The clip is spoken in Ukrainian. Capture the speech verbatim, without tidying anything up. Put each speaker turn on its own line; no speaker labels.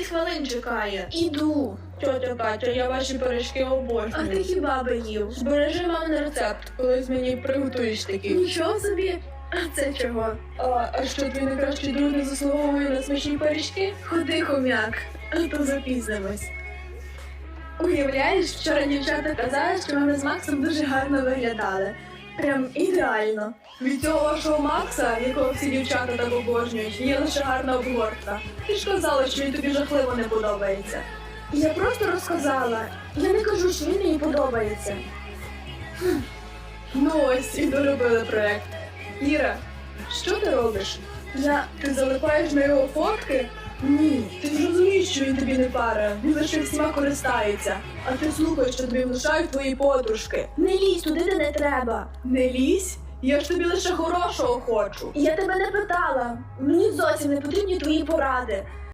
хвилин чекає.
Іду.
Тьотя Катя, я ваші пиріжки
А
обожнюю.
ти хіба би їв?
Збережи мамин рецепт, колись мені приготуєш такий.
Нічого собі. А це чого?
А, а що твій найкращий друг не заслуговує на смачні пиріжки?
Ходи, хомяк, а то запізнимось. Уявляєш, вчора дівчата казали, що ми з Максом дуже гарно виглядали. Прям ідеально.
Від цього вашого Макса, якого всі дівчата так обожнюють, є лише гарна обгортка. Ти ж казала, що він тобі жахливо не подобається.
Я просто розказала. Я не кажу, що він мені подобається.
Ну ось і доробили проект. Іра, що ти робиш?
Я...
Ти залипаєш на його фотки?
Ні.
Ти ж розумієш, що він тобі не пара, він лише всіма користається. А ти слухаєш, що тобі внушають твої подружки.
Не лізь туди, де не треба.
Не лізь, я ж тобі лише хорошого хочу.
Я тебе не питала. Мені зовсім не потрібні твої поради.